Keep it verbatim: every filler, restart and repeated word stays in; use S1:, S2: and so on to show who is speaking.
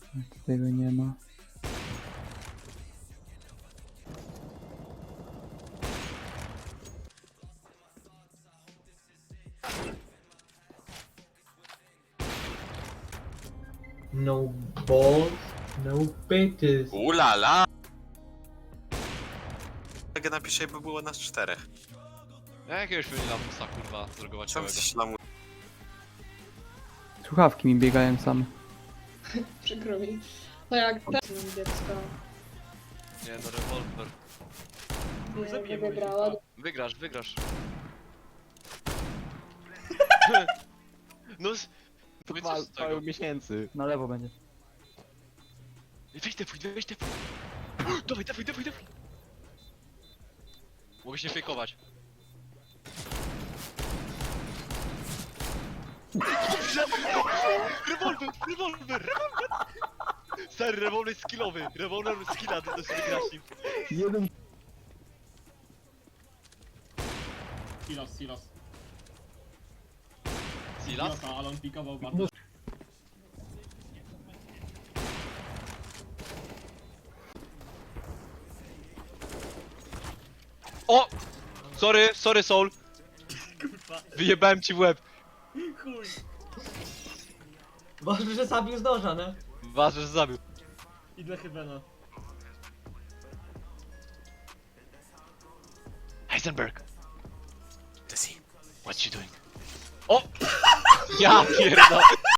S1: Tego nie ma.
S2: No balls, no bitches.
S3: Ulala! Jak napiszę, by było nas czterech.
S4: Ja jakiegoś pewnie lamusa kurwa
S3: Czemu
S4: zrogowaciałego.
S3: coś lamu...
S1: Słuchawki mi biegają same.
S5: Przykro mi. To jak ten dziecko
S4: Nie no, rewolwer.
S5: nie, nie wygrała.
S4: Wygrasz, wygrasz. No s... Powiedz co z tego.
S6: miesięcy.
S1: Na lewo będzie.
S4: Weź te pójdź, weź te pójdź. Dawaj, dawaj, dawaj, dawaj. Mogę się fejkować. Rewolwer, rewolwer, rewolwer! Stary, rewolwer skillowy, rewolwer skilla, ty to sobie grasz nim.
S1: Jeden.
S7: Silos, silos.
S4: Silas?
S7: Silosa, ale on pikował bardzo.
S4: O! Sorry, sorry Soul. Wyjebałem ci w łeb.
S7: Chuj!
S2: Ważne, że zabił z noża, nie?
S4: Ważne, że zabił.
S7: Idę chyba na...
S4: Heisenberg,
S3: Jesse.
S4: what you doing? O! Ja pierdolę.